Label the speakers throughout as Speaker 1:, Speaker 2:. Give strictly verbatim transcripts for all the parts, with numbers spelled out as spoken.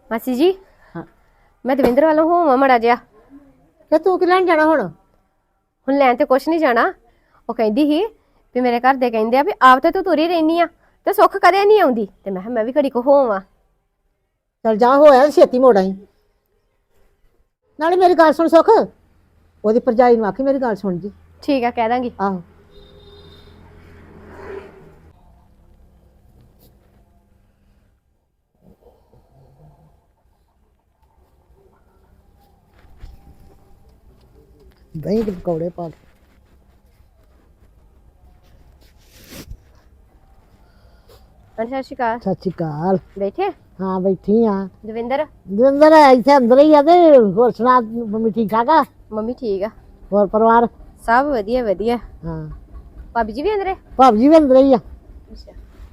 Speaker 1: ਮਾਸੀ ਜੀ
Speaker 2: ਹਾਂ
Speaker 1: ਮੈਂ ਦਵਿੰਦਰ ਵੱਲੋਂ ਹੋਵਾਂ ਮੜਾ ਜਿਹਾ।
Speaker 2: ਤੇ ਤੂੰ ਕਿ ਲੈਣ ਜਾਣਾ ਹੁਣ?
Speaker 1: ਹੁਣ ਲੈਣ ਤੇ ਕੁਛ ਨਹੀਂ ਜਾਣਾ। ਉਹ ਕਹਿੰਦੀ ਸੀ ਵੀ ਮੇਰੇ ਘਰ ਦੇ ਕਹਿੰਦੇ ਆ ਵੀ ਆਪ ਤੇ ਤੂੰ ਤੁਰੀ ਰਹਿਨੀ ਆ ਤੇ ਸੁੱਖ ਕਦੇ ਨਹੀਂ ਆਉਂਦੀ, ਤੇ ਮੈਂ ਕਿਹਾ ਮੈਂ ਵੀ ਘੜੀ ਕੋ ਹੋਵਾਂ।
Speaker 2: ਚਲ ਜਾ ਹੋਇਆ ਤੇ ਛੇਤੀ ਮੋੜ ਆਈ। ਨਾਲੇ ਮੇਰੀ ਗੱਲ ਸੁਣ ਸੁੱਖ, ਉਹਦੀ ਭਰਜਾਈ ਨੂੰ ਆਖੀ ਮੇਰੀ ਗੱਲ ਸੁਣ ਜੀ।
Speaker 1: ਠੀਕ ਆ, ਕਹਿ ਦਾਂਗੀ।
Speaker 2: ਆਹੋ ਦਹੀਂ ਦੇ ਪਕੌੜੇ ਪਾ ਕੇ।
Speaker 1: ਸਤਿ ਸ਼੍ਰੀ ਅਕਾਲ।
Speaker 2: ਸਤਿ ਸ਼੍ਰੀ ਅਕਾਲ।
Speaker 1: ਬੈਠੇ
Speaker 2: ਹਾਂ ਬੈਠੀ ਆ।
Speaker 1: ਦਵਿੰਦਰ?
Speaker 2: ਦਵਿੰਦਰ ਇੱਥੇ ਅੰਦਰ ਹੀ ਆ। ਤੇ ਹੋਰ ਸੁਣਾ, ਮੰਮੀ ਠੀਕ ਠਾਕ ਆ?
Speaker 1: ਮੰਮੀ ਠੀਕ ਆ,
Speaker 2: ਹੋਰ ਪਰਿਵਾਰ
Speaker 1: ਸਭ ਵਧੀਆ ਵਧੀਆ।
Speaker 2: ਹਾਂ।
Speaker 1: ਭਾਬੀ ਜੀ ਵੀ ਅੰਦਰੇ?
Speaker 2: ਭਾਬੀ ਜੀ ਵੀ ਅੰਦਰ ਹੀ ਆ।
Speaker 1: ਅੱਛਾ।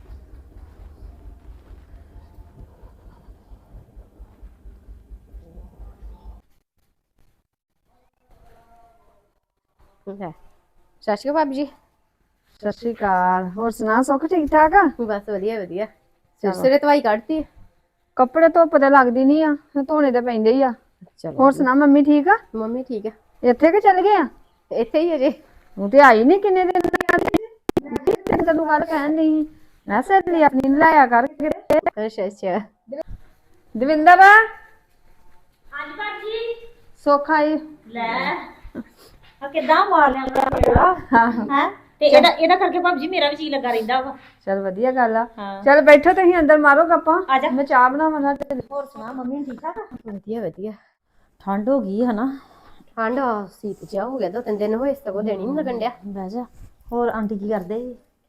Speaker 1: ਲੈ, ਸਤਿ ਸ਼੍ਰੀ ਅਕਾਲ ਭਾਬੀ ਜੀ।
Speaker 3: ਸਤਿ ਸ਼੍ਰੀ ਅਕਾਲ। ਹੋਰ ਸੁਣਾ ਸੁੱਖ, ਠੀਕ ਠਾਕ ਆ?
Speaker 1: ਬਸ ਵਧੀਆ ਵਧੀਆ। ਸਿਰ ਸਿਰੇ ਧਵਾਈ ਕੱਢਤੀ?
Speaker 3: ਕੱਪੜੇ ਧੁੱਪ ਤੇ ਲੱਗਦੀ ਨਹੀਂ ਆ, ਧੋਣੇ ਤੇ ਪੈਂਦੇ ਹੀ ਆ।
Speaker 1: ਚਲੋ
Speaker 3: ਹੋਰ ਸੁਣਾ, ਮੰਮੀ ਠੀਕ ਆ?
Speaker 1: ਮੰਮੀ ਠੀਕ ਆ,
Speaker 3: ਇੱਥੇ ਕਿ ਚੱਲ ਗਏ ਆ?
Speaker 1: ਇੱਥੇ ਹੀ ਅਜੇ।
Speaker 3: ਉਹ ਤੇ ਆਈ ਨਹੀਂ ਕਿੰਨੇ ਦਿਨ ਦੀ। ਤੈਨੂੰ ਗੱਲ ਕਹਿਣ ਨਹੀਂ, ਮੈਂ ਸਹੇਲੀ ਆਪਣੀ ਨੂੰ ਲਾਇਆ ਕਰ ਕਿਤੇ।
Speaker 1: ਅੱਛਾ ਅੱਛਾ।
Speaker 3: ਦਵਿੰਦਰ? ਹਾਂਜੀ ਭਾਜੀ। ਸੁੱਖ ਆਈ
Speaker 4: ਲੈ ਆ ਕਿੱਦਾਂ ਮਾਰ ਲਿਆ
Speaker 3: ਹਾਂ।
Speaker 4: ਹੈ ਤੇ ਇਹਦਾ ਇਹਦਾ ਕਰਕੇ ਭਾਬੀ ਜੀ ਮੇਰਾ ਵੀ ਜੀ ਲੱਗਾ ਰਹਿੰਦਾ ਵਾ।
Speaker 3: ਚਲ ਵਧੀਆ ਗੱਲ ਆ।
Speaker 4: ਹਾਂ।
Speaker 3: ਚਲ ਬੈਠੋ ਤੁਸੀਂ ਅੰਦਰ, ਮਾਰੋ ਗੱਪਾਂ।
Speaker 4: ਆ ਜਾ।
Speaker 3: ਮੈਂ ਚਾਹ ਬਣਾਵਾਂ ਨਾ।
Speaker 4: ਹੋਰ ਸੁਣਾ, ਮੰਮੀ ਠੀਕ ਠਾਕ ਆ?
Speaker 1: ਵਧੀਆ ਵਧੀਆ।
Speaker 4: ਠੰਡ ਹੋ ਗਈ ਹਨਾ?
Speaker 1: ਠੰਡ ਆ, ਸੀਤ ਜਿਹਾ ਹੋ ਗਿਆ, ਦੋ ਤਿੰਨ ਦਿਨ ਹੋਏ, ਸਗੋਂ ਦੇਣੀ ਨਹੀਂ ਲੱਗਣ ਡਿਆ।
Speaker 4: ਬਹਿ ਜਾ। ਹੋਰ ਆਂਟੀ ਕੀ ਕਰਦੇ?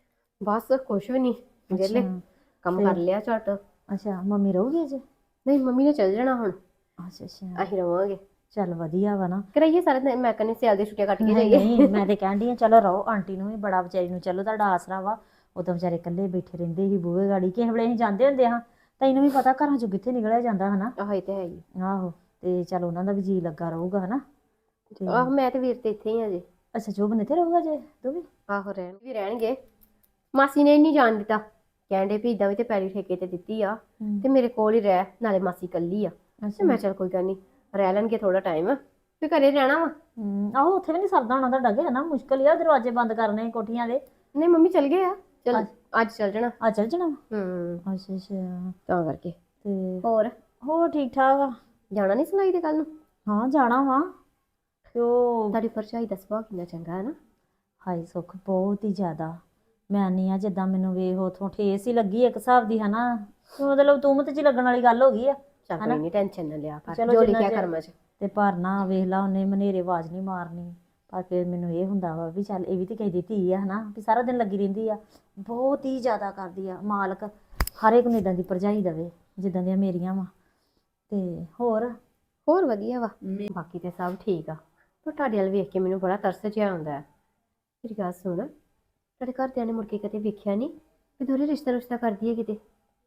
Speaker 1: ਬਸ ਕੁਛ ਵੀ ਨਹੀਂ, ਵਿਹਲੇ ਕੰਮ ਕਰ ਲਿਆ ਝਟ।
Speaker 4: ਅੱਛਾ, ਮੰਮੀ ਰਹੂਗੀ ਅਜੇ?
Speaker 1: ਨਹੀਂ, ਮੰਮੀ ਨੇ ਚੱਲ ਜਾਣਾ ਹੁਣ,
Speaker 4: ਅੱਛਾ ਅੱਛਾ,
Speaker 1: ਅਸੀਂ ਰਵਾਂਗੇ।
Speaker 4: ਚੱਲ ਵਧੀਆ ਵਾ ਨਾ।
Speaker 1: ਕਰਾਈਏ ਸਾਰਾ ਦਿਨ, ਮੈਂ ਕਹਿੰਦੀ ਸਿਆਲ ਦੀ ਛੁੱਟੀਆਂ ਕੱਟ ਕੇ
Speaker 4: ਨਹੀਂ
Speaker 1: ਜਾਈਏ।
Speaker 4: ਨਹੀਂ, ਮੈਂ ਤੇ ਕਹਿੰਦੀ ਆ ਚਲੋ ਰਹੋ, ਆਂਟੀ ਨੂੰ ਵੀ ਬੜਾ ਵਿਚਾਰੀ ਨੂੰ ਚਲੋ ਤੁਹਾਡਾ ਆਸਰਾ ਵਾ। ਉਹ ਤਾਂ ਵਿਚਾਰੇ ਇਕੱਲੇ ਬੈਠੇ ਰਹਿੰਦੇ ਸੀ ਬੂਹੇ ਗਾੜੀ, ਕਿਸੇ ਵੇਲੇ ਅਸੀਂ ਜਾਂਦੇ ਹੁੰਦੇ ਹਾਂ। ਤੈਨੂੰ ਵੀ ਪਤਾ ਘਰਾਂ ਚੋਂ ਕਿੱਥੇ ਨਿਕਲਿਆ ਜਾਂਦਾ ਹਨਾ।
Speaker 1: ਆਹ ਇਹ ਤੇ ਹੈ ਹੀ।
Speaker 4: ਆਹੋ, ਤੇ ਚਲ ਉਹਨਾਂ ਦਾ ਵੀ ਜੀ ਲੱਗਾ ਰਹੂਗਾ ਹਨਾ।
Speaker 1: ਆਹ ਮੈਂ ਤੇ ਵੀਰ ਤੇ ਇੱਥੇ ਹੀ ਆ ਜੇ।
Speaker 4: ਅੱਛਾ, ਜੋਬਨ ਇੱਥੇ ਰਹੂਗਾ ਜੇ ਤੂੰ ਵੀ?
Speaker 1: ਆਹੋ ਰਹਿਣ ਵੀ ਰਹਿਣਗੇ। ਮਾਸੀ ਨੇ ਨਹੀਂ ਜਾਣ ਦਿੱਤਾ, ਕਹਿੰਦੇ ਵੀ ਇਦਾਂ ਵੀ ਤੇ ਪੈਲੀ ਠੇਕੇ ਤੇ ਦਿੱਤੀ ਆ ਤੇ ਮੇਰੇ ਕੋਲ ਹੀ ਰਹਿ, ਨਾਲੇ ਮਾਸੀ ਕੱਲੀ ਆ। ਤੇ ਮੈਂ ਚੱਲ ਕੋਈ ਗੱਲ ਨਹੀਂ, ਰਹਿ ਲੈਣਗੇ ਥੋੜਾ ਟਾਈਮ, ਤੇ ਘਰੇ ਰਹਿਣਾ ਵਾ।
Speaker 4: ਹਮ ਆਹੋ, ਉੱਥੇ ਵੀ ਨਹੀਂ ਸਰਦਾ ਹੋਣਾ ਤੁਹਾਡਾ ਕਿ ਹਨਾ? ਮੁਸ਼ਕਲ ਹੀ ਆ ਦਰਵਾਜ਼ੇ ਬੰਦ ਕਰਨੇ ਕੋਠੀਆਂ ਦੇ।
Speaker 1: ਨਹੀਂ ਮੰਮੀ ਚੱਲ ਗਏ ਆ, ਚਲ ਅੱਜ ਚੱਲ ਜਾਣਾ।
Speaker 4: ਆ ਚੱਲ ਜਾਣਾ?
Speaker 1: ਹੂੰ,
Speaker 4: ਅੱਛਾ ਅੱਛਾ।
Speaker 1: ਤਾਂ ਕਰਕੇ।
Speaker 4: ਤੇ
Speaker 1: ਹੋਰ
Speaker 4: ਹੋਰ ਠੀਕ ਠਾਕ ਆ?
Speaker 1: ਜਾਣਾ ਨਹੀਂ ਸੁਣਾਈ ਤੇ ਕੱਲ ਨੂੰ?
Speaker 4: ਹਾਂ ਜਾਣਾ ਵਾ। ਤੇ ਉਹ
Speaker 1: ਤੁਹਾਡੀ ਭਰਜਾਈ ਦਾ ਸੁਭਾਅ ਕਿੰਨਾ ਚੰਗਾ ਹੈ ਨਾ।
Speaker 4: ਹਾਈ ਸੁੱਖ, ਬਹੁਤ ਹੀ ਜ਼ਿਆਦਾ। ਮੈਂ ਨਹੀਂ ਆ ਜਿੱਦਾਂ ਮੈਨੂੰ ਵੇਖ ਉਥੋਂ ਠੇਸ ਹੀ ਲੱਗੀ ਇੱਕ ਹਿਸਾਬ ਦੀ ਹਨਾ। ਮਤਲਬ ਤੁਮਤ ਚ ਲੱਗਣ ਵਾਲੀ ਗੱਲ ਹੋ ਗਈ ਆ।
Speaker 1: ਚੱਲ ਕੋਈ ਨਹੀਂ, ਟੈਨਸ਼ਨ ਨਾ ਲਿਆ ਕਰ,
Speaker 4: ਚਲੋ
Speaker 1: ਜੋ
Speaker 4: ਜਿੰਨਾ
Speaker 1: ਲਿਖਿਆ
Speaker 4: ਚਿਰ-
Speaker 1: ਕਰਮਾਂ ਚ।
Speaker 4: ਤੇ ਪਰ ਨਾ ਵੇਖ ਲਾ, ਉਹਨੇ ਮਨੇਰੇ ਆਵਾਜ਼ ਨਹੀਂ ਮਾਰਨੀ। ਪਰ ਫਿਰ ਮੈਨੂੰ ਇਹ ਹੁੰਦਾ ਵਾ ਵੀ ਚੱਲ ਇਹ ਵੀ ਤੇ ਕਿਸੇ ਦੀ ਧੀ ਆ ਹਨਾ, ਵੀ ਸਾਰਾ ਦਿਨ ਲੱਗੀ ਰਹਿੰਦੀ ਆ। ਬਹੁਤ ਹੀ ਜ਼ਿਆਦਾ ਕਰਦੀ ਆ। ਮਾਲਕ ਹਰ ਇੱਕ ਨੂੰ ਇੱਦਾਂ ਦੀ ਭਰਜਾਈ ਦੇਵੇ ਜਿੱਦਾਂ ਦੀਆਂ ਮੇਰੀਆਂ ਵਾ। ਤੇ ਹੋਰ
Speaker 1: ਹੋਰ ਵਧੀਆ ਵਾ, ਬਾਕੀ ਤੇ ਸਭ ਠੀਕ ਆ। ਪਰ ਤੁਹਾਡੇ ਵੱਲ ਵੇਖ ਕੇ ਮੈਨੂੰ ਬੜਾ ਤਰਸ ਜਿਹਾ ਆਉਂਦਾ ਹੈ। ਮੇਰੀ ਗੱਲ ਸੁਣ, ਤੁਹਾਡੇ ਘਰਦਿਆਂ ਨੇ ਮੁੜ ਕੇ ਕਦੇ ਵੇਖਿਆ ਨਹੀਂ ਵੀ ਦੋਰੇ ਰਿਸ਼ਤਾ ਰੁਸ਼ਤਾ ਕਰਦੀ ਹੈ ਕਿਤੇ?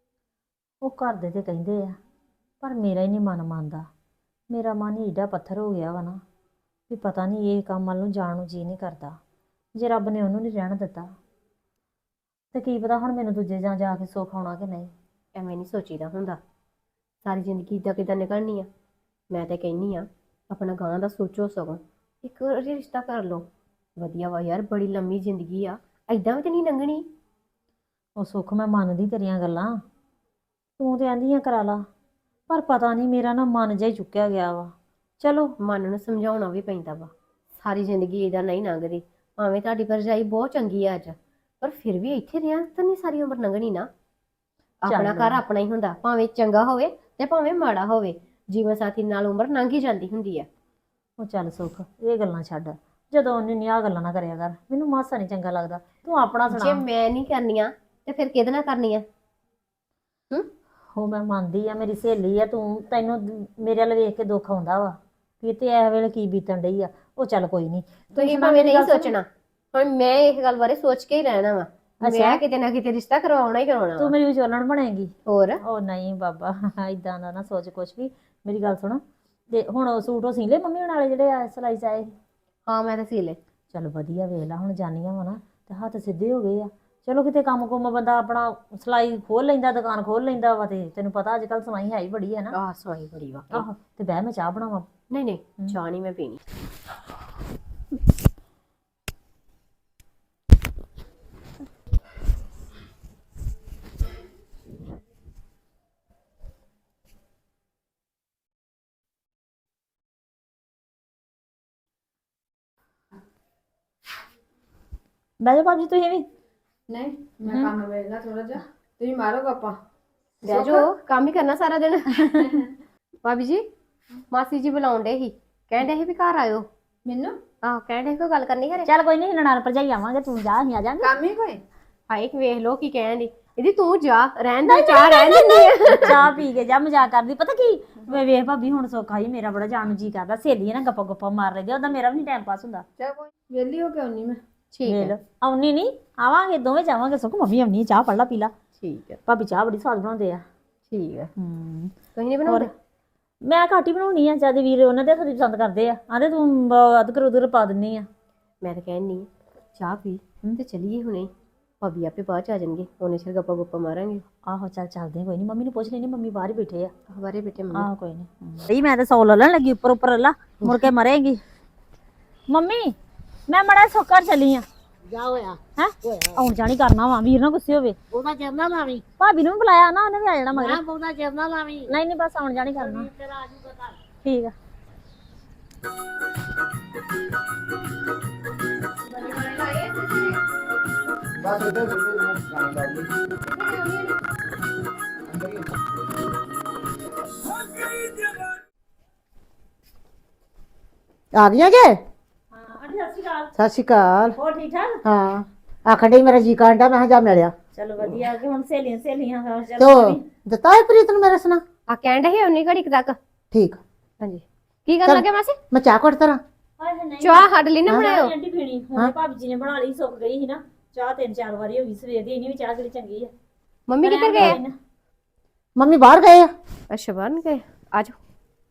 Speaker 4: ਉਹ ਘਰ ਦੇ ਤੇ ਕਹਿੰਦੇ ਆ, ਪਰ ਮੇਰਾ ਹੀ ਨਹੀਂ ਮਨ ਮੰਨਦਾ। ਮੇਰਾ ਮਨ ਹੀ ਏਡਾ ਪੱਥਰ ਹੋ ਗਿਆ ਵਾ ਨਾ ਵੀ ਪਤਾ ਨਹੀਂ ਇਹ ਕੰਮ ਵੱਲ ਨੂੰ ਜਾਣ ਨੂੰ ਜੀ ਨਹੀਂ ਕਰਦਾ। ਜੇ ਰੱਬ ਨੇ ਉਹਨੂੰ ਨਹੀਂ ਰਹਿਣ ਦਿੱਤਾ ਤੇ ਕੀ ਪਤਾ ਹੁਣ ਮੈਨੂੰ ਦੂਜੇ ਜਾਂ ਜਾ ਕੇ ਸੁੱਖ ਆਉਣਾ ਕਿ ਨਹੀਂ।
Speaker 1: ਐਵੇਂ ਨਹੀਂ ਸੋਚੀਦਾ ਹੁੰਦਾ, ਸਾਰੀ ਜ਼ਿੰਦਗੀ ਇੱਦਾਂ ਕਿੱਦਾਂ ਨਿਕਲਣੀ ਆ। ਮੈਂ ਤਾਂ ਕਹਿੰਦੀ ਆ ਆਪਣਾ ਗਾਂ ਦਾ ਸੋਚੋ, ਸਗੋਂ ਇੱਕ ਵਾਰੀ ਰਿਸ਼ਤਾ ਕਰ ਲਓ, ਵਧੀਆ ਵਾ ਯਾਰ, ਬੜੀ ਲੰਮੀ ਜ਼ਿੰਦਗੀ ਆ, ਐਦਾਂ ਵੀ ਤਾਂ ਨਹੀਂ ਲੰਘਣੀ।
Speaker 4: ਉਹ ਸੁੱਖ, ਮੈਂ ਮੰਨਦੀ ਤੇਰੀਆਂ ਗੱਲਾਂ, ਤੂੰ ਤੇ ਆਂਦੀਆਂ ਕਰਾ ਲਾ, ਪਰ ਪਤਾ ਨਹੀਂ ਮੇਰਾ ਨਾ ਮਨ ਜਿਹਾ ਹੀ ਚੁੱਕਿਆ ਗਿਆ ਵਾ। ਚਲੋ
Speaker 1: ਮਨ ਨੂੰ ਸਮਝਾਉਣਾ ਵੀ ਪੈਂਦਾ ਵਾ, ਸਾਰੀ ਜ਼ਿੰਦਗੀ ਇਹਦਾ ਨਹੀਂ ਲੰਘਦੀ। ਭਾਵੇਂ ਤੁਹਾਡੀ ਭਰਜਾਈ ਬਹੁਤ ਚੰਗੀ ਆ ਅੱਜ, ਪਰ ਫਿਰ ਵੀ ਇੱਥੇ ਰਿਹਾ ਤਾਂ ਨਹੀਂ ਸਾਰੀ ਉਮਰ ਲੰਘਣੀ ਨਾ। ਆਪਣਾ ਘਰ ਆਪਣਾ ਹੀ ਹੁੰਦਾ, ਭਾਵੇਂ ਚੰਗਾ ਹੋਵੇ ਤੇ ਭਾਵੇਂ ਮਾੜਾ ਹੋਵੇ। ਜੀਵਨ ਸਾਥੀ ਨਾਲ ਉਮਰ ਲੰਘ ਹੀ ਜਾਂਦੀ ਹੁੰਦੀ ਆ।
Speaker 4: ਉਹ ਚੱਲ ਸੁੱਖ, ਇਹ ਗੱਲਾਂ ਛੱਡ। ਜਦੋਂ ਉਹਨੇ ਨਹੀਂ ਆਹ ਗੱਲਾਂ ਨਾ ਕਰਿਆ ਕਰ, ਮੈਨੂੰ ਮਾਸਾ ਨਹੀਂ ਚੰਗਾ ਲੱਗਦਾ। ਤੂੰ ਆਪਣਾ
Speaker 1: ਜੇ
Speaker 4: ਸੁਣਾ।
Speaker 1: ਮੈਂ ਨਹੀਂ ਕਰਨੀਆਂ ਤੇ ਫਿਰ ਕਿਹਦੇ ਨਾਲ ਕਰਨੀਆਂ? ਹੂੰ,
Speaker 4: ਉਹ ਮੈਂ ਮੰਨਦੀ ਆ, ਮੇਰੀ ਸਹੇਲੀ ਆ ਤੂੰ, ਤੈਨੂੰ ਮੇਰੇ ਵੱਲ ਵੇਖ ਕੇ ਦੁੱਖ ਆਉਂਦਾ ਵਾ ਵੀ ਤੇ ਇਹ ਵੇਲੇ ਕੀ ਬੀਤਣ ਡਈ ਆ। ਉਹ ਚੱਲ ਕੋਈ ਨਹੀਂ,
Speaker 1: ਤੁਸੀਂ ਭਾਵੇਂ ਨਹੀਂ ਸੋਚਣਾ, ਹੁਣ ਮੈਂ ਇਹ ਗੱਲ ਬਾਰੇ ਸੋਚ ਕੇ ਹੀ ਰਹਿਣਾ ਵਾ। ਮੈਂ ਕਿਤੇ ਨਾ ਕਿਤੇ ਰਿਸ਼ਤਾ ਕਰਵਾਉਣਾ ਹੀ ਕਰਵਾਉਣਾ।
Speaker 4: ਤੂੰ ਮੇਰੀ ਵਿਚੋਲਣ ਬਣੇਗੀ?
Speaker 1: ਹੋਰ
Speaker 4: ਉਹ ਨਹੀਂ ਬਾਬਾ, ਇਦਾਂ ਦਾ ਨਾ ਸੋਚ ਕੁਛ ਵੀ। ਮੇਰੀ ਗੱਲ ਸੁਣ, ਤੇ ਹੁਣ ਉਹ ਸੂਟ ਉਹ ਸੀ ਲੈ ਮੰਮੀ ਹੁਣ ਵਾਲੇ ਜਿਹੜੇ ਆ ਸਿਲਾਈ ਚ ਆਏ?
Speaker 1: ਹਾਂ, ਮੈਂ ਤਾਂ ਸੀ ਲੈ।
Speaker 4: ਚੱਲ ਵਧੀਆ, ਵੇਖ ਲਾ ਹੁਣ ਜਾਨੀਆਂ ਵਾ ਨਾ ਤੇ ਹੱਥ ਸਿੱਧੇ ਹੋ ਗਏ ਆ। ਚਲੋ ਕਿਤੇ ਕੰਮ ਕੁੰਮ ਬੰਦਾ ਆਪਣਾ ਸਿਲਾਈ ਖੋਲ ਲੈਂਦਾ, ਦੁਕਾਨ ਖੋਲ ਲੈਂਦਾ ਵਾ। ਤੇ ਤੈਨੂੰ ਪਤਾ ਅੱਜ ਕੱਲ ਸਵਾਈ ਹੈ ਹੀ ਬੜੀ ਹੈ ਨਾ।
Speaker 1: ਆਹ ਸਵਾਈ ਬੜੀ ਵਾ।
Speaker 4: ਆਹੋ ਤੇ ਬਹਿ ਮੈਂ ਚਾਹ ਬਣਾਵਾਂ।
Speaker 1: ਨਹੀਂ ਨਹੀਂ ਚਾਹ ਨਹੀਂ ਮੈਂ ਪੀਣੀ।
Speaker 4: ਬਹਿ ਜਾਓ ਭਾਬੀ ਤੁਸੀਂ ਵੀ।
Speaker 3: ਨਹੀਂ ਮੈਂ ਕੰਮ ਵੇਖਣਾ ਥੋੜਾ ਜਿਹਾ, ਤੁਸੀਂ ਮਾਰੋ ਗੱਪਾਂ।
Speaker 1: ਬਹਿ ਜਾਓ, ਕੰਮ ਹੀ ਕਰਨਾ ਸਾਰਾ ਦਿਨ। ਭਾਬੀ ਜੀ ਮਾਸੀ ਜੀ ਬੁਲਾਉਣ ਡੇ ਸੀ, ਕਹਿੰਦੇ ਸੀ ਵੀ ਘਰ ਆਇਓ।
Speaker 3: ਮੈਨੂੰ
Speaker 1: ਆਹ ਕਹਿੰਦੇ ਕੋਈ ਗੱਲ ਕਰਨੀ ਘਰੇ।
Speaker 4: ਚੱਲ ਕੋਈ ਨਹੀਂ, ਨਨਾਣ ਭਰਜਾਈ ਆਵਾਂਗੇ, ਤੂੰ ਜਾ ਅਸੀਂ ਆ ਜਾਾਂਗੇ।
Speaker 3: ਕੰਮ ਹੀ ਕੋਈ
Speaker 1: ਹਾਏ ਕਿ ਵੇਖ ਲੋ ਕੀ ਕਹਿਣ ਦੀ। ਇਹਦੀ ਤੂੰ ਜਾ, ਰਹਿਣ ਦੇ, ਚਾਹ ਰਹਿਣ ਦਿੰਦੀ ਆ।
Speaker 4: ਚਾਹ ਪੀ ਕੇ ਜਾ, ਮਜ਼ਾਕ ਕਰਦੀ। ਪਤਾ ਕੀ ਵੇ ਵੇਖ ਭਾਬੀ ਹੁਣ ਸੌਖਾ ਹੀ ਮੇਰਾ ਬੜਾ ਜਾਣ ਨੂੰ ਜੀ ਕਰਦਾ। ਸਹੇਲੀ ਨਾ ਗੱਪਾ ਗੱਪਾ ਮਾਰ ਲੈਂਦੀ, ਉਹਦਾ ਮੇਰਾ ਵੀ ਨਹੀਂ ਟਾਈਮ ਪਾਸ ਹੁੰਦਾ।
Speaker 3: ਚੱਲ ਕੋਈ ਵਿਹਲੀ ਹੋ ਕੇ ਆਉਣੀ ਮੈਂ।
Speaker 1: ਠੀਕ ਹੈ
Speaker 4: ਵੇਖ ਆਉਣੀ ਨਹੀਂ, ਆਵਾਂਗੇ ਦੋਵੇਂ ਜਾਵਾਂਗੇ। ਸੁੱਖ ਮੰਮੀ ਆਉਣੀ, ਚਾਹ ਪੜ ਲਾ ਪੀ ਲਾ।
Speaker 1: ਠੀਕ ਹੈ
Speaker 4: ਭਾਬੀ ਚਾਹ ਬੜੀ ਸਵਾਦ ਬਣਾਉਂਦੇ ਆ।
Speaker 1: ਠੀਕ ਹੈ।
Speaker 4: ਹੂੰ
Speaker 1: ਤੁਸੀਂ ਨਹੀਂ ਬਣਾਉਂਦੇ?
Speaker 4: ਮੈਂ ਘੱਟ ਹੀ ਬਣਾਉਣੀ ਆ, ਜਦ ਵੀਰ ਉਹਨਾਂ ਦੇ ਹੱਥੀਂ ਪਸੰਦ ਕਰਦੇ ਆ। ਆਂਦੇ ਤੂੰ ਅਦਕਰ ਉਧਰ ਪਾ ਦਿੰਨੀ ਆ।
Speaker 1: ਮੈਂ ਤਾਂ ਕਹਿੰਨੀ ਚਾਹ ਪੀ ਤੇ ਚਲੀਏ ਹੁਣੇ। ਭਾਬੀ ਆਪੇ ਬਾਅਦ ਚ ਆ ਜਾਣਗੇ, ਉਹਨੇ ਸਿਰ ਗੱਪਾ ਗੁੱਪਾ ਮਾਰਾਂਗੇ।
Speaker 4: ਆਹੋ ਚੱਲ ਚੱਲਦੇ, ਕੋਈ ਨਹੀਂ। ਮੰਮੀ ਨੂੰ ਪੁੱਛ ਲੈਣੀ, ਮੰਮੀ ਬਾਹਰ ਹੀ ਬੈਠੇ ਆ।
Speaker 1: ਹਵਾਰੇ ਬੇਟੇ ਮੰਮੀ।
Speaker 4: ਆਹੋ ਕੋਈ ਨਹੀਂ। ਨਹੀਂ ਮੈਂ ਤਾਂ ਸੌ ਲੱਲਣ ਲੱਗੀ, ਉੱਪਰ ਉੱਪਰ ਲੱਲਾ, ਮੁੜ ਕੇ ਮਰੇਗੀ। ਮੰਮੀ ਮੈਂ ਮੜਾ ਸੁੱਕਰ ਚੱਲੀ ਆ।
Speaker 2: ਜਾ ਹੋਇਆ
Speaker 4: ਹੈ ਆਉਣ ਜਾਣੀ ਕਰਨਾ ਵਾ, ਵੀਰ ਨਾ ਗੁੱਸੇ ਹੋਵੇ।
Speaker 2: ਉਹਦਾ ਚਰਨਾ ਲਾਵੀਂ,
Speaker 4: ਭਾਬੀ ਨੂੰ ਵੀ ਬੁਲਾਇਆ ਨਾ, ਉਹਨੇ ਵੀ ਆ ਜਾਣਾ ਮਗਰ।
Speaker 2: ਮੈਂ ਬਹੁਤਾ ਚਰਨਾ ਲਾਵੀਂ।
Speaker 4: ਨਹੀਂ ਨਹੀਂ ਬਸ ਆਉਣ ਜਾਣੀ ਕਰਨਾ।
Speaker 2: ਤੇਰਾ ਆ ਜੂਗਾ ਘਰ।
Speaker 4: ਠੀਕ ਆ।
Speaker 5: ਬਸ ਇੱਧਰ ਇੱਧਰ ਗਾਣਾ ਲਾ ਲਈ ਅੰਦਰ ਹੀ
Speaker 2: ਆ ਗਈਆਂ ਜੇ?
Speaker 4: ਹਾਂ ਆਂਟੀ ਸਤਿ ਸ਼੍ਰੀ ਅਕਾਲ।
Speaker 2: ਸਤਿ ਸ਼੍ਰੀ ਅਕਾਲ।
Speaker 4: ਹੋਰ ਠੀਕ ਠਾਕ?
Speaker 2: ਹਾਂ ਆਖਣ ਡਈ ਮੇਰਾ ਜੀ ਕਾਂਡਾ, ਮੈਂ ਕਿਹਾ ਜਾ ਮਿਲਿਆ।
Speaker 4: ਚਲੋ ਵਧੀਆ ਕਿ ਹੁਣ ਸਹੇਲੀਆਂ ਸਹੇਲੀਆਂ ਹਾਂ ਚੱਲ
Speaker 2: ਤੋ
Speaker 4: ਮੈਂ ਵੀ-
Speaker 2: ਦਿੱਤਾ ਹੈ ਪ੍ਰੀਤ ਨੂੰ ਮੇਰਾ ਸੁਣਾ?
Speaker 1: ਆ ਕਹਿੰਦੇ ਸੀ ਉਹਨੀ ਘੜੀ ਕੁ ਤੱਕ।
Speaker 2: ਠੀਕ,
Speaker 1: ਹਾਂਜੀ ਕੀ ਕਰਨ ਲੱਗੇ ਮਾਸੀ?
Speaker 2: ਮੈਂ ਚਾਹ ਘੁੱਟ ਤਰਾਂ।
Speaker 4: ਹਾਏ ਹਾਏ ਨਹੀਂ
Speaker 1: ਚਾਹ ਸਾਡੇ ਲਈ ਨਾ ਬਣਾਇਓ।
Speaker 4: ਆਂਟੀ ਪੀਣੀ ਹੁਣ ਭਾਬੀ ਜੀ ਨੇ ਬਣਾ ਲਈ, ਸੁੱਕ ਗਈ ਸੀ ਨਾ ਚਾਹ। ਤਿੰਨ ਚਾਰ ਵਾਰੀ ਹੋ ਗਈ ਸਵੇਰ ਦੀ, ਇੰਨੀ ਵੀ ਚਾਹ ਕਿਹੜੀ ਚੰਗੀ ਆ।
Speaker 1: ਮੰਮੀ ਕਿੱਧਰ ਗਏ?
Speaker 2: ਮੰਮੀ ਬਾਹਰ ਗਏ ਆ।
Speaker 1: ਅੱਛਾ ਬਾਹਰ ਨੂੰ ਗਏ। ਆ ਜਾਓ।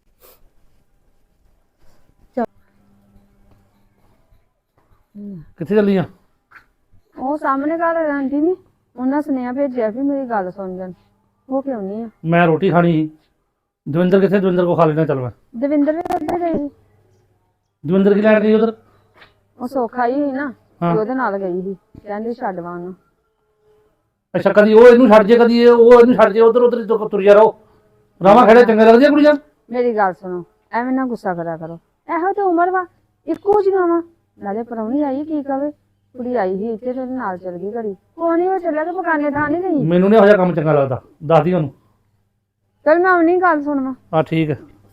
Speaker 5: ਕਿੱਥੇ ਚੱਲੀ ਆ?
Speaker 3: ਉਹ ਸਾਹਮਣੇ ਘਰ ਰਹਿੰਦੀ ਨੀ, ਉਹਨਾਂ ਸੁਨੇਹਾ ਭੇਜਿਆ ਵੀ ਮੇਰੀ ਗੱਲ ਸੁਣ ਜਾਣ। ਉਹ ਕਿਉਂ ਨਹੀਂ ਆ?
Speaker 5: ਮੈਂ ਰੋਟੀ ਖਾਣੀ ਸੀ। ਦਵਿੰਦਰ ਕਿੱਥੇ? ਦਵਿੰਦਰ ਕੋ ਖਾ ਲੈਣਾ ਚੱਲ ਮੈਂ।
Speaker 3: ਦਵਿੰਦਰ ਵੀ ਉੱਧਰ ਗਈ ਸੀ।
Speaker 5: ਦਵਿੰਦਰ ਕੀ ਲੈਣ ਗਈ ਉਧਰ?
Speaker 3: ਉਹ ਸੌਖਾ ਹੀ ਸੀ ਨਾ,
Speaker 5: ਹਾਂ।
Speaker 3: ਤੇ ਉਹਦੇ ਨਾਲ ਗਈ ਸੀ। ਕਹਿੰਦੀ ਛੱਡ ਵਾ ਉਹਨੂੰ।
Speaker 5: ਅੱਛਾ ਕਦੀ ਉਹ ਇਹਨੂੰ ਛੱਡ ਜੇ, ਕਦੀ ਇਹ ਉਹ ਇਹਨੂੰ ਛੱਡ ਜੇ। ਉਧਰ ਉਧਰ ਤੁਰਿਆ ਰਹੋ। ਰਾਵਾਂ ਖੜੇ ਚੰਗੇ ਲੱਗਦੀ ਆ ਕੁੜੀਆਂ?
Speaker 3: ਮੇਰੀ ਗੱਲ ਸੁਣੋ, ਐਵੇਂ ਨਾ ਗੁੱਸਾ ਕਰਿਆ ਕਰੋ। ਇਹੋ ਤੇ ਉਮਰ ਵਾ, ਇੱਕੋ ਜਿਹੀਆਂ ਵਾ। ਨਾਲੇ ਪ੍ਰਾਹੁਣੀ ਆਈ ਕੀ ਕਵੇ, ਕੁੜੀ ਆਈ ਸੀ ਇੱਥੇ ਤੇ ਉਹਦੇ ਨਾਲ ਚਲ ਗਈ ਘੜੀ। ਕੋਈ ਨਹੀਂ, ਉਹ ਚੱਲਿਆ ਤੇ ਬਗਾਨੇ ਥਾਂ ਨਹੀਂ ਗਈ।
Speaker 5: ਮੈਨੂੰ ਨਹੀਂ ਇਹੋ ਜਿਹਾ ਕੰਮ ਚੰਗਾ ਲੱਗਦਾ, ਦੱਸਦੀ ਉਹਨੂੰ।
Speaker 3: ਚਲ ਮੈਂ ਆਉਣੀ ਗੱਲ ਸੁਣਵਾ।
Speaker 5: ਆ ਠੀਕ ਹੈ।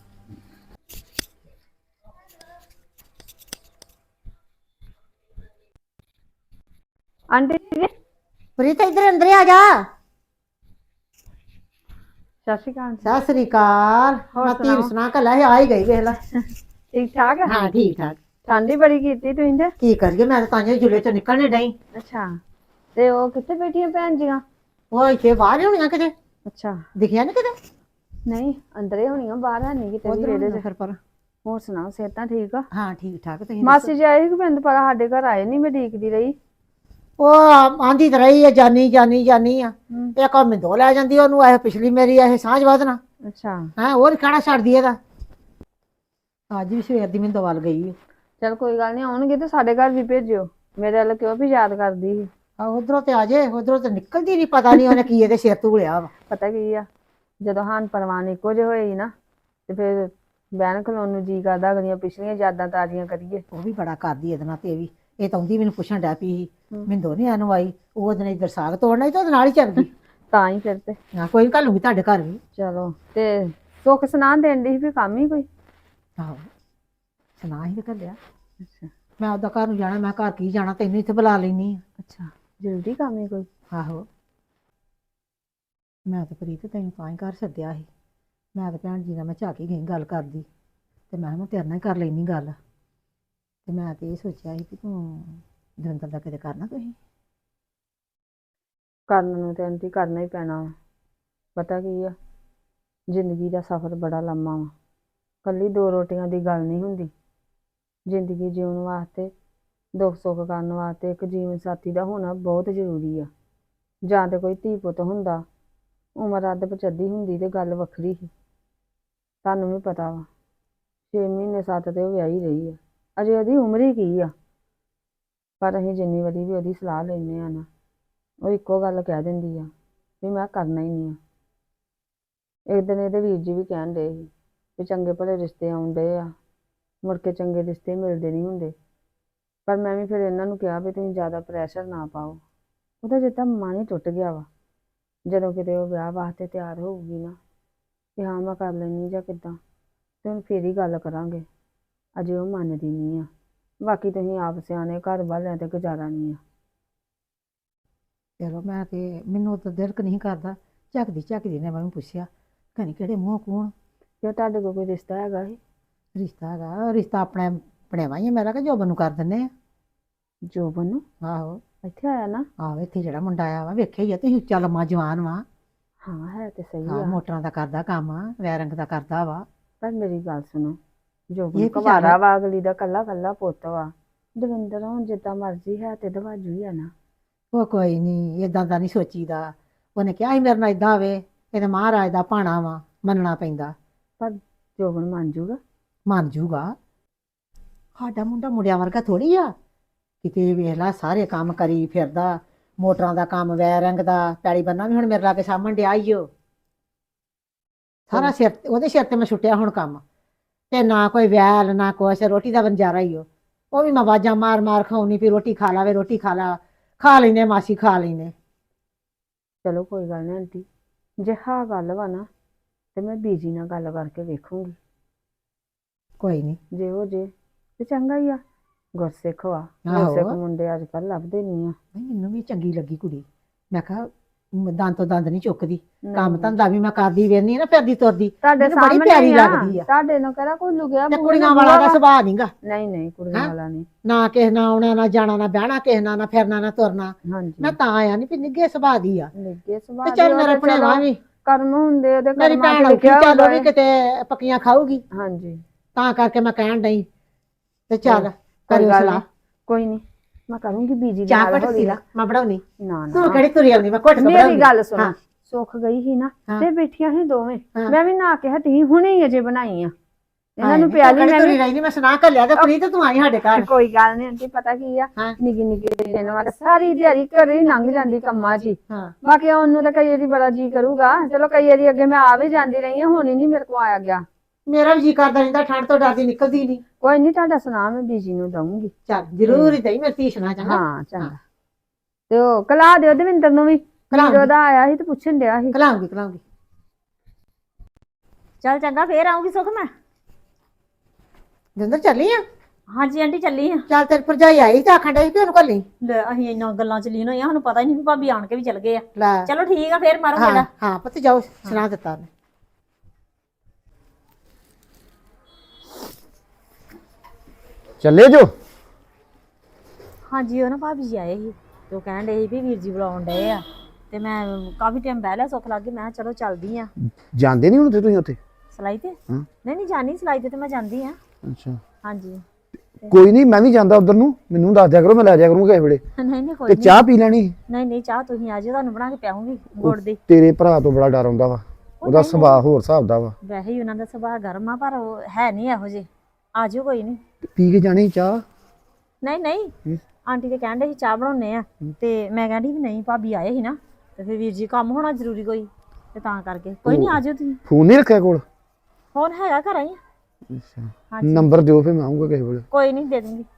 Speaker 3: ਆਂਟੀ ਜੀ
Speaker 2: ਪ੍ਰੀਤ ਇੱਧਰ ਅੰਦਰ ਆ ਜਾ।
Speaker 3: ਸਤਿ ਸ਼੍ਰੀ ਅਕਾਲ।
Speaker 2: ਸਤਿ ਸ੍ਰੀ ਅਕਾਲ। ਮੈਂ ਧੀਰ ਸੁਣਾ ਕੱਲਾ ਸੀ, ਆ ਹੀ ਗਈ ਵੇਖ ਲੈ।
Speaker 3: ਠੀਕ ਠਾਕ?
Speaker 2: ਹਾਂ ਠੀਕ ਠਾਕ।
Speaker 3: ਠੰਡ ਹੀ ਬੜੀ ਕੀਤੀ ਤੁਸੀਂ ਤੇ।
Speaker 2: ਕੀ ਕਰੀਏ, ਮੈਂ ਤਾਂ ਤਾਂ ਜੁਲੇ ਚੋਂ ਨਿਕਲਣੇ ਡਈ।
Speaker 3: ਅੱਛਾ ਤੇ ਉਹ ਕਿੱਥੇ ਬੈਠੀਆਂ ਭੈਣ ਜੀਆਂ?
Speaker 2: ਉਹ ਇੱਥੇ ਬਾਹਰ ਹੀ ਹੋਣੀਆਂ ਕਿਤੇ,
Speaker 3: ਅੱਛਾ
Speaker 2: ਦਿਖਿਆ ਨੀ ਕਿਤੇ।
Speaker 3: ਨਹੀਂ ਅੰਦਰੇ ਹੋਣੀਆਂ, ਬਾਹਰ ਹੈ ਨਹੀਂ ਕਿਤੇ ਵੀ
Speaker 2: ਉਧਰ
Speaker 3: ਵਿਹੜੇ 'ਚ।
Speaker 2: ਫਿਰ ਪਰ
Speaker 3: ਹੋਰ ਸੁਣਾਓ, ਸਿਹਤਾਂ ਠੀਕ ਆ?
Speaker 2: ਹਾਂ ਠੀਕ ਠਾਕ। ਤੁਸੀਂ
Speaker 3: ਮਾਸੀ ਜੀ ਆਏ ਸੀ, ਪਿੰਡ ਪਰ ਸਾਡੇ ਘਰ ਆਏ ਨਹੀਂ, ਮੈਂ ਡੀਕਦੀ ਰਹੀ।
Speaker 2: ਉਹ ਆਂਦੀ ਤਾਂ ਰਹੀ ਹੈ ਜਾਨੀ ਜਾਨੀ ਜਾਨੀ ਆ।
Speaker 3: ਹਮ।
Speaker 2: ਇਹ ਕੰਮ ਦੋ ਲੈ ਜਾਂਦੀ ਉਹਨੂੰ, ਇਹ ਪਿਛਲੀ ਮੇਰੀ ਇਹ ਸਾਂਝ ਵਧਣਾ
Speaker 3: ਅੱਛਾ
Speaker 2: ਹੈ। ਹੋਰ ਖਾਣਾ ਛੱਡਦੀ ਇਹਦਾ। ਅੱਜ ਵੀ ਸਵੇਰ ਦੀ ਮੈਨੂੰ ਦਵਾਲ ਗਈ।
Speaker 3: ਚਲ ਕੋਈ ਗੱਲ ਨਹੀਂ, ਆਉਣਗੇ ਤੇ ਸਾਡੇ ਘਰ ਵੀ ਭੇਜਿਓ। ਮੇਰੇ ਵੱਲ ਕਿਉਂ ਵੀ ਯਾਦ ਕਰਦੀ ਸੀ।
Speaker 2: ਆ ਉਧਰੋਂ ਤੇ ਆ ਜੇ, ਉਧਰੋਂ ਤੇ ਨਿਕਲਦੀ ਨਹੀਂ, ਪਤਾ ਨਹੀਂ ਉਹਨੇ ਕੀ ਇਹਦੇ ਸਿਰ ਧੂਲਿਆ ਵਾ।
Speaker 3: ਪਤਾ ਕੀ ਆ, ਜਦੋਂ ਹਾਨ ਪਰਵਾਨ ਇੱਕੋ ਜਿਹੇ ਹੋਏ ਸੀ ਨਾ, ਤੇ ਫਿਰ ਬਹਿਣ ਖਲੋਣ ਨੂੰ ਜੀ ਕਰਦਾ, ਅਗਲੀਆਂ ਪਿਛਲੀਆਂ ਯਾਦਾਂ ਤਾਜ਼ੀਆਂ ਕਰੀਏ।
Speaker 2: ਉਹ ਵੀ ਬੜਾ ਕਰਦੀ ਇਹਦੇ ਨਾਲ। ਤੇ ਇਹ ਵੀ ਇਹ ਤਾਂ ਆਉਂਦੀ ਮੈਨੂੰ ਪੁੱਛਣ ਡੈ ਪਈ ਸੀ, ਮਿੰਦੋ ਨੀ ਇਹਨੂੰ ਆਈ। ਉਹ ਉਹਦੇ ਨਾਲ ਇੱਧਰ ਸਾਗ ਤੋੜਨਾ ਸੀ ਤੇ ਉਹਦੇ ਨਾਲ ਹੀ ਚੱਲ ਗਈ।
Speaker 3: ਤਾਂ ਹੀ ਫਿਰ ਤੇ
Speaker 2: ਹਾਂ ਕੋਈ ਨੀ, ਘੱਲੂਗੀ ਤੁਹਾਡੇ ਘਰ ਵੀ।
Speaker 3: ਚਲੋ ਤੇ ਸੁੱਖ ਸੁਨਾਹ ਦੇਣ ਦੀ ਵੀ ਕੰਮ ਹੀ ਕੋਈ।
Speaker 2: ਆਹੋ ਸੁਣਾ ਹੀ ਤੇ ਘੱਲਿਆ। ਅੱਛਾ ਮੈਂ ਉਹਦਾ ਘਰ ਨੂੰ ਜਾਣਾ, ਮੈਂ ਘਰ ਕੀ ਜਾਣਾ, ਤੈਨੂੰ ਇੱਥੇ ਬੁਲਾ ਲੈਣੀ ਆ।
Speaker 3: ਅੱਛਾ ਜਲਦੀ ਕੰਮ ਹੀ ਕੋਈ।
Speaker 2: ਆਹੋ ਮੈਂ ਤਾਂ ਪ੍ਰੀਤ ਤੈਨੂੰ ਤਾਂ ਹੀ ਘਰ ਸੱਦਿਆ ਸੀ। ਮੈਂ ਤਾਂ ਭੈਣ ਜੀ ਨਾਲ ਮੈਂ ਝਾਕ ਹੀ ਗਈ ਗੱਲ ਕਰਦੀ, ਤੇ ਮੈਂ ਕਿਹਾ ਮੈਂ ਤੇਰੇ ਨਾਲ ਹੀ ਕਰ ਲੈਣੀ ਗੱਲ। ਤੇ ਮੈਂ ਤੇ ਇਹ ਸੋਚਿਆ ਸੀ ਕਿ ਤੂੰ ਦਵਿੰਦਰ ਦਾ ਕਿਤੇ ਕਰਨਾ ਤੁਸੀਂ।
Speaker 3: ਕਰਨ ਨੂੰ ਤੇ ਆਂਟੀ ਕਰਨਾ ਹੀ ਪੈਣਾ ਵਾ। ਪਤਾ ਕੀ ਆ, ਜ਼ਿੰਦਗੀ ਦਾ ਸਫ਼ਰ ਬੜਾ ਲੰਮਾ ਵਾ। ਕੱਲੀ ਦੋ ਰੋਟੀਆਂ ਦੀ ਗੱਲ ਨਹੀਂ ਹੁੰਦੀ। ਜ਼ਿੰਦਗੀ ਜਿਉਣ ਵਾਸਤੇ ਦੁੱਖ ਸੁੱਖ ਕਰਨ ਵਾਸਤੇ ਇੱਕ ਜੀਵਨ ਸਾਥੀ ਦਾ ਹੋਣਾ ਬਹੁਤ ਜ਼ਰੂਰੀ ਆ। ਜਾਂ ਤੇ ਕੋਈ ਧੀ ਪੁੱਤ ਹੁੰਦਾ, ਉਮਰ ਅੱਧ ਪਚੱਦੀ ਹੁੰਦੀ ਤੇ ਗੱਲ ਵੱਖਰੀ ਸੀ। ਤੁਹਾਨੂੰ ਵੀ ਪਤਾ ਵਾ ਛੇ ਮਹੀਨੇ ਸੱਤ ਤੇ ਉਹ ਵਿਆਹੀ ਰਹੀ ਆ, ਅਜੇ ਉਹਦੀ ਉਮਰ ਹੀ ਕੀ ਆ। ਪਰ ਅਸੀਂ ਜਿੰਨੀ ਵਾਰੀ ਵੀ ਉਹਦੀ ਸਲਾਹ ਲੈਂਦੇ ਆ ਨਾ, ਉਹ ਇੱਕੋ ਗੱਲ ਕਹਿ ਦਿੰਦੀ ਆ ਵੀ ਮੈਂ ਕਰਨਾ ਹੀ ਨਹੀਂ ਆ। ਇੱਕ ਦਿਨ ਇਹਦੇ ਵੀਰ ਜੀ ਵੀ ਕਹਿਣ ਡਏ ਸੀ ਵੀ ਚੰਗੇ ਭਲੇ ਰਿਸ਼ਤੇ ਆਉਣ ਡਏ ਆ, ਮੁੜ ਕੇ ਚੰਗੇ ਰਿਸ਼ਤੇ ਮਿਲਦੇ ਨਹੀਂ ਹੁੰਦੇ। ਪਰ ਮੈਂ ਵੀ ਫਿਰ ਇਹਨਾਂ ਨੂੰ ਕਿਹਾ ਵੀ ਤੁਸੀਂ ਜ਼ਿਆਦਾ ਪ੍ਰੈਸ਼ਰ ਨਾ ਪਾਓ। ਉਹਦਾ ਜਿੱਦਾਂ ਮਨ ਹੀ ਟੁੱਟ ਗਿਆ ਵਾ। ਜਦੋਂ ਕਿਤੇ ਉਹ ਵਿਆਹ ਵਾਸਤੇ ਤਿਆਰ ਹੋਊਗੀ ਨਾ ਕਿ ਹਾਂ ਮੈਂ ਕਰ ਲੈਂਦੀ ਜਾਂ ਕਿੱਦਾਂ, ਤੇ ਹੁਣ ਫੇਰ ਹੀ ਗੱਲ ਕਰਾਂਗੇ। ਅਜੇ ਉਹ ਮੰਨਦੀ ਨਹੀਂ ਆ। ਬਾਕੀ ਤੁਸੀਂ ਆਪ ਸਿਆਣੇ, ਘਰ ਵਾਲਿਆਂ ਤੇ ਗੁਜ਼ਾਰਾ ਨਹੀਂ ਆ।
Speaker 2: ਚਲੋ ਮੈਂ ਤੇ ਮੈਨੂੰ ਤਾਂ ਦਿਲਕ ਨਹੀਂ ਕਰਦਾ। ਝੱਕਦੀ ਝੱਕਦੀ ਨੇ ਮੈਨੂੰ ਪੁੱਛਿਆ ਕਹਿੰਦੀ ਕਿਹੜੇ ਮੂੰਹ ਕੌਣ
Speaker 3: ਜੇ ਤੁਹਾਡੇ ਕੋਲ ਕੋਈ ਰਿਸ਼ਤਾ ਹੈਗਾ ਸੀ?
Speaker 2: ਰਿਸ਼ਤਾ ਹੈਗਾ। ਰਿਸ਼ਤਾ ਆਪਣੇ ਬਣਿਆ ਹੀ ਮੇਰਾ ਕਿ ਜੋਬਨ ਨੂੰ ਕਰ ਦਿੰਦੇ ਆ।
Speaker 3: ਜੋਬਨ ਨੂੰ?
Speaker 2: ਆਹੋ
Speaker 3: ਇੱਥੇ ਆਇਆ ਨਾ?
Speaker 2: ਆਹੋ ਇੱਥੇ ਜਿਹੜਾ ਮੁੰਡਾ ਆਇਆ ਵਾ ਵੇਖਿਆ ਹੀ ਆ ਤੁਸੀਂ, ਉੱਚਾ ਲੰਮਾ ਜਵਾਨ ਵਾ।
Speaker 3: ਹਾਂ ਹੈ ਤੇ ਸਹੀ
Speaker 2: ਹਾਂ
Speaker 3: ਆ।
Speaker 2: ਮੋਟਰਾਂ ਦਾ ਕਰਦਾ ਕੰਮ, ਵੈਰੰਗ ਦਾ ਕਰਦਾ ਵਾ।
Speaker 3: ਪਰ ਮੇਰੀ ਗੱਲ ਸੁਣੋ, ਜੋਬਨ
Speaker 2: ਇਹ ਕੀ
Speaker 3: ਕੁਵਾਰਾ
Speaker 2: ਗੱਲ?
Speaker 3: ਵਾ, ਅਗਲੀ ਦਾ ਕੱਲਾ ਕੱਲਾ ਪੁੱਤ ਵਾ। ਦਵਿੰਦਰ ਹੁਣ ਜਿੱਦਾਂ ਮਰਜ਼ੀ ਹੈ ਤੇ ਦਵਾਜੂ ਹੀ ਆ ਨਾ।
Speaker 2: ਉਹ ਕੋਈ ਨਹੀਂ, ਇਦਾਂ ਦਾ ਨਹੀਂ ਸੋਚੀਦਾ। ਉਹਨੇ ਕਿਹਾ ਸੀ ਮੇਰੇ ਨਾਲ ਇਦਾਂ ਹੋਵੇ, ਇਹਦੇ ਮਹਾਰਾਜ ਦਾ ਭਾਣਾ ਵਾ, ਮੰਨਣਾ ਪੈਂਦਾ।
Speaker 3: ਪਰ ਜੋਬਨ ਮੰਨ ਜੂਗਾ?
Speaker 2: ਮੰਨ ਜੂਗਾ। ਸਾਡਾ ਮੁੰਡਾ ਮੁੰਡਿਆਂ ਵਰਗਾ ਥੋੜੀ ਆ। ਕਿਤੇ ਵੇਖ ਲਾ ਸਾਰੇ ਕੰਮ ਕਰੀ ਫਿਰਦਾ, ਮੋਟਰਾਂ ਦਾ ਕੰਮ, ਵੈਰੰਗ ਦਾ, ਪੈਲੀ ਬੰਨਾ ਵੀ ਹੁਣ ਮੇਰੇ ਲਾਗੇ ਸਾਹਮਣ ਡਿਆ ਈ ਓ। ਸਾਰਾ ਸਿਰ ਉਹਦੇ ਸਿਰ ਤੇ ਮੈਂ ਛੁੱਟਿਆ ਹੁਣ ਕੰਮ। ਤੇ ਨਾ ਕੋਈ ਵੈਲ ਨਾ ਕੁਛ, ਰੋਟੀ ਦਾ ਬੰਜਾਰਾ ਹੀ ਓ। ਉਹ ਵੀ ਮੈਂ ਆਵਾਜ਼ਾਂ ਮਾਰ ਮਾਰ ਖਾਉਣੀ ਵੀ ਰੋਟੀ ਖਾ ਲਾਵੇ, ਰੋਟੀ ਖਾ ਲਾ। ਖਾ ਲੈਨੇ ਮਾਸੀ, ਖਾ ਲੈਨੇ।
Speaker 3: ਚਲੋ ਕੋਈ ਗੱਲ ਨਹੀਂ ਆਂਟੀ, ਜੇ ਹਾਂ ਗੱਲ ਵਾ ਨਾ ਤੇ ਮੈਂ ਬੀਜੀ ਨਾਲ ਗੱਲ ਕਰਕੇ ਵੇਖੂੰਗੀ।
Speaker 2: ਕੋਈ ਨਹੀਂ।
Speaker 3: ਜੇ ਉਹ ਜੇ ਤੇ ਚੰਗਾ ਹੀ ਆ। ਗੁਰਸਿੱਖ ਵਾ,
Speaker 2: ਆਹੋ।
Speaker 3: ਗੁਰਸਿੱਖ ਮੁੰਡੇ ਅੱਜ ਕੱਲ੍ਹ ਲੱਭਦੇ ਨਹੀਂ ਆ।
Speaker 2: ਮੈਨੂੰ ਵੀ ਚੰਗੀ ਲੱਗੀ ਕੁੜੀ। ਮੈਂ ਕਿਹਾ ਮ- ਦੰਦ ਤੋਂ ਦੰਦ ਨਹੀਂ ਚੁੱਕਦੀ।
Speaker 3: ਨਹੀਂ,
Speaker 2: ਕੰਮ ਧੰਦਾ ਵੀ ਮੈਂ ਕਰਦੀ ਵੇਖਦੀ ਨਾ, ਫਿਰਦੀ ਤੁਰਦੀ।
Speaker 3: ਤੁਹਾਡੇ
Speaker 2: ਮੈਨੂੰ ਬੜੀ
Speaker 3: ਸਾਹਮਣੇ
Speaker 2: ਪਿਆਰੀ
Speaker 3: ਹੀ ਆ।
Speaker 2: ਲੱਗਦੀ ਆ।
Speaker 3: ਤੁਹਾਡੇ ਨੂੰ ਕਿਹੜਾ ਕੋਈ ਲੁਕਿਆ
Speaker 2: ਤੇ
Speaker 3: ਬੂਹਾ
Speaker 2: ਕੁੜੀਆਂ
Speaker 3: ਨਾ
Speaker 2: ਵਾਲਾ ਦਾ
Speaker 3: ਬੂਹਾ ਵਾ।
Speaker 2: ਸੁਭਾਅ ਨਹੀਂਗਾ।
Speaker 3: ਨਹੀਂ ਨਹੀਂ ਕੁੜੀਆਂ
Speaker 2: ਹੈਂ?
Speaker 3: ਵਾਲਾ ਨਹੀਂ।
Speaker 2: ਨਾ ਕਿਸੇ ਨਾਲ ਆਉਣਾ, ਨਾ ਜਾਣਾ, ਨਾ ਬਹਿਣਾ ਕਿਸੇ ਨਾਲ, ਨਾ ਫਿਰਨਾ, ਨਾ ਤੁਰਨਾ।
Speaker 3: ਹਾਂਜੀ
Speaker 2: ਮੈਂ ਤਾਂ ਆਇਆ ਨਹੀਂ ਵੀ ਨਿੱਘੇ ਸੁਭਾਅ ਦੀ ਆ।
Speaker 3: ਨਿੱਗੇ
Speaker 2: ਤੇ
Speaker 3: ਸੁਭਾਅ
Speaker 2: ਚੱਲ
Speaker 3: ਦੇ ਉਹ
Speaker 2: ਮੇਰੇ
Speaker 3: ਤੇ
Speaker 2: ਭਣੇਵਾ
Speaker 3: ਚਲੋ
Speaker 2: ਵੀ,
Speaker 3: ਕਰਮ ਹੁੰਦੇ ਉਹਦੇ
Speaker 2: ਮੇਰੀ
Speaker 3: ਕਰਮਾਂ
Speaker 2: ਭੈਣ
Speaker 3: ਚ
Speaker 2: ਔਖੀ,
Speaker 3: ਲਿਖਿਆ
Speaker 2: ਚੱਲ ਉਹ ਵੀ
Speaker 3: ਹੁੰਦਾ
Speaker 2: ਕਿਤੇ ਪੱਕੀਆਂ ਖਾਊਗੀ।
Speaker 3: ਹੈ। ਹਾਂਜੀ
Speaker 2: ਤਾਂ ਕਰਕੇ ਮੈਂ ਕਹਿਣ ਡਈ ਤੇ ਚੱਲ
Speaker 3: ਕੋਈ
Speaker 2: ਕਰਿਓ
Speaker 3: ਗੱਲ
Speaker 2: ਸਲਾਹ।
Speaker 3: ਨੀ, ਕੋਈ ਨਹੀਂ ਮੈਂ ਕਰੂੰਗੀ ਬੀਜੀ ਦੇ
Speaker 2: ਚਾਹ
Speaker 3: ਨਾਲ
Speaker 2: ਘੁੱਟ
Speaker 3: ਹੌਲੀ
Speaker 2: ਪੀ ਲਾ,
Speaker 3: ਨਾਲ।
Speaker 2: ਮੈਂ ਬਣਾਉਣੀ।
Speaker 3: ਨਾ
Speaker 2: ਤੂੰ
Speaker 3: ਨਾ
Speaker 2: ਕਿਹੜੀ ਤੁਰੀ ਆਉਂਦੀ, ਮੈਂ ਘੁੱਟ ਕੇ
Speaker 3: ਮੇਰੀ
Speaker 2: ਬਣਾਉਂਦੀ।
Speaker 3: ਗੱਲ ਸੁਣੋ,
Speaker 2: ਹਾਂ।
Speaker 3: ਸੁੱਖ ਗਈ ਸੀ ਨਾ
Speaker 2: ਹਾਂ।
Speaker 3: ਤੇ ਬੈਠੀਆਂ ਸੀ ਦੋਵੇਂ।
Speaker 2: ਹਾਂ।
Speaker 3: ਮੈਂ ਵੀ ਨਾ ਕੇ ਹਟੀ, ਹੁਣੇ ਹੀ ਅਜੇ ਬਣਾਈ ਆ। ਇਹਨਾਂ
Speaker 2: ਹਾਏ
Speaker 3: ਨੂੰ
Speaker 2: ਨੀ, ਤੂੰ
Speaker 3: ਪਿਆਲੀ
Speaker 2: ਕਿਹੜੀ
Speaker 3: ਮੈਂ
Speaker 2: ਤੁਰੀ
Speaker 3: ਵੀ।
Speaker 2: ਰਹਿੰਦੀ, ਮੈਂ ਸੁਣਾ ਘੱਲਿਆ ਤੇ ਪ੍ਰੀਤ ਤੂੰ ਆਈ ਸਾਡੇ ਘਰ।
Speaker 3: ਕੋਈ ਗੱਲ ਨਹੀਂ ਆਂਟੀ, ਪਤਾ ਕੀ ਆ,
Speaker 2: ਹਾਂ।
Speaker 3: ਨਿੱਕੀ ਨਿੱਕੀ ਦਿਨ ਵਾਰ ਸਾਰੀ ਦਿਹਾੜੀ ਘਰੇ ਹੀ ਲੰਘ ਜਾਂਦੀ ਕੰਮਾਂ 'ਚ ਹੀ।
Speaker 2: ਹਾਂ।
Speaker 3: ਬਾਕੀ ਉਹਨੂੰ ਤਾਂ ਕਈ ਵਾਰੀ ਬੜਾ ਜੀ ਕਰੂਗਾ। ਚਲੋ ਕਈ ਵਾਰੀ ਅੱਗੇ ਮੈਂ ਆ ਵੀ ਜਾਂਦੀ ਰਹੀ ਹਾਂ, ਹੁਣ ਹੀ ਨਹੀਂ ਮੇਰੇ ਕੋਲ ਆਇਆ ਗਿਆ।
Speaker 2: ਮੇਰਾ ਵੀ ਜੀ ਕਰਦਾ ਰਹਿੰਦਾ, ਠੰਡ ਤੋਂ ਡਰਦੀ ਨਿਕਲਦੀ ਨਹੀਂ।
Speaker 3: ਕੋਈ ਨਹੀਂ, ਤੁਹਾਡਾ ਸੁਣਾ ਮੈਂ ਬੀਜੀ ਨੂੰ ਦਊਂਗੀ।
Speaker 2: ਚੱਲ ਜ਼ਰੂਰ ਹੀ ਦਈ, ਮੇਰੀ ਧੀ ਸੁਣਾ ਚੰਗਾ।
Speaker 3: ਹਾਂ ਚੰਗਾ। ਤੇ ਉਹ ਕਲਾ ਦਿਓ ਦਵਿੰਦਰ ਨੂੰ ਵੀ।
Speaker 2: ਕਲਾਉਂਗੀ।
Speaker 3: ਵੀਰੋ ਦਾ ਆਇਆ ਸੀ ਤੇ ਪੁੱਛਣ ਡਿਆ ਸੀ।
Speaker 2: ਕਲਾਉਂਗੀ ਕਲਾਉਂਗੀ।
Speaker 4: ਚੱਲ ਚੰਗਾ, ਫੇਰ ਆਉਂਗੀ ਸੁੱਖ ਮੈਂ।
Speaker 2: ਜਿੰਦਰ ਚੱਲੀ ਆ?
Speaker 4: ਹਾਂਜੀ ਆਂਟੀ ਚੱਲੀ ਆ।
Speaker 2: ਚੱਲ ਤੇਰੀ ਭਰਜਾਈ ਆਈ ਤੇ ਆਖਣ ਡਈ ਕਿ ਉਹਨੂੰ ਘੱਲੀ।
Speaker 4: ਲੈ ਅਸੀਂ ਇੰਨਾ ਗੱਲਾਂ ਚ ਲੀਨ ਹੋਈਆਂ, ਸਾਨੂੰ ਪਤਾ ਹੀ ਨਹੀਂ ਵੀ ਭਾਬੀ ਆਣ ਕੇ ਵੀ ਚਲ ਗਏ ਆ।
Speaker 2: ਲੈ
Speaker 4: ਚਲੋ ਠੀਕ ਆ, ਫੇਰ ਮਾਰੋ
Speaker 2: ਹਾਂ
Speaker 4: ਗੇੜਾ।
Speaker 2: ਹਾਂ ਪੁੱਤ ਜਾਓ, ਸੁਣਾ ਦਿੱਤਾ ਉਹਨੇ।
Speaker 6: ਚੱਲੇ ਜੋ?
Speaker 4: ਹਾਂਜੀ ਉਹ ਨਾ ਭਾਬੀ ਜੀ ਆਏ ਸੀ ਤੇ ਉਹ ਕਹਿਣ ਡਏ ਸੀ ਵੀ ਵੀਰ ਜੀ ਬੁਲਾਉਣ ਡਏ ਆ। ਤੇ ਮੈਂ ਕਾਫੀ ਟਾਈਮ ਬਹਿ ਲਿਆ, ਸੁੱਖ ਲੱਗ ਗਈ। ਮੈਂ ਕਿਹਾ ਚਲੋ ਚੱਲਦੀ ਆ
Speaker 6: ਜਾਂਦੇ ਨਹੀਂ ਹੁਣ ਤੇ ਤੁਸੀਂ ਉੱਥੇ?
Speaker 4: ਸਲਾਈ ਤੇ।
Speaker 6: ਹਾਂ।
Speaker 4: ਨਹੀਂ ਨਹੀਂ ਜਾਣੀ ਸਲਾਈ ਤੇ, ਤੇ ਮੈਂ ਜਾਂਦੀ ਆ।
Speaker 6: ਅੱਛਾ,
Speaker 4: ਹਾਂਜੀ
Speaker 6: ਕੋਈ ਨਹੀਂ, ਮੈਂ ਵੀ ਜਾਂਦਾ ਉਧਰ ਨੂੰ, ਮੈਨੂੰ ਦੱਸ ਦਿਆ ਕਰੋ, ਮੈਂ ਲੈ ਜਾਇਆ ਕਰੂੰਗਾ ਕਿਸੇ ਵੇਲੇ।
Speaker 4: ਨਹੀਂ ਨਹੀਂ ਕੋਈ
Speaker 6: ਤੇ
Speaker 4: ਨਹੀਂ।
Speaker 6: ਚਾਹ ਪੀ ਲੈਣੀ।
Speaker 4: ਨਹੀਂ ਨਹੀਂ ਚਾਹ ਤੁਸੀਂ ਆ ਜਾਓ, ਤੁਹਾਨੂੰ ਬਣਾ ਕੇ ਪਿਆਉਂਗੀ ਗੁੜ ਦੀ।
Speaker 6: ਤੇਰੇ ਭਰਾ ਤੋਂ ਬੜਾ ਡਰ ਆਉਂਦਾ ਵਾ, ਉਹਦਾ ਸੁਭਾਅ ਹੋਰ ਹਿਸਾਬ ਦਾ ਵਾ।
Speaker 4: ਵੈਸੇ ਹੀ ਉਹਨਾਂ ਦਾ ਸੁਭਾਅ ਗਰਮ ਆ, ਪਰ ਉਹ ਹੈ ਨਹੀਂ ਇਹੋ ਜਿਹੇ। ਆ ਜਾਓ ਕੋਈ ਨਹੀਂ।
Speaker 6: ਤੇ ਪੀ ਕੇ ਜਾਣੀ ਚਾਹ?
Speaker 4: ਨਹੀਂ ਨਹੀਂ
Speaker 6: ਹੂੰ।
Speaker 4: ਆਂਟੀ ਤੇ ਕਹਿੰਦੇ ਸੀ ਚਾਹ ਬਣਾਉਣੇ ਆ, ਤੇ ਮੈਂ ਕਹਿੰਦੀ ਵੀ ਨਹੀਂ ਭਾਬੀ ਆਏ ਸੀ ਨਾ, ਤੇ ਫਿਰ ਵੀਰ ਜੀ ਕੰਮ ਹੋਣਾ ਜ਼ਰੂਰੀ ਕੋਈ, ਤੇ ਤਾਂ ਕਰਕੇ ਕੋਈ ਨਹੀਂ ਆ ਜਾਓ ਤੁਸੀਂ।
Speaker 6: ਫੋਨ ਨਹੀਂ ਰੱਖਿਆ ਕੋਲ?
Speaker 4: ਫੋਨ ਹੈਗਾ ਘਰ ਹੀ ਆ।
Speaker 6: ਅੱਛਾ,
Speaker 4: ਹਾਂਜੀ
Speaker 6: ਨੰਬਰ ਦਿਓ ਫਿਰ ਮੈਂ ਆਉਂਗਾ ਕਿਸੇ ਵੇਲੇ।
Speaker 4: ਕੋਈ ਨਹੀਂ ਦੇ ਦੂੰਗੀ।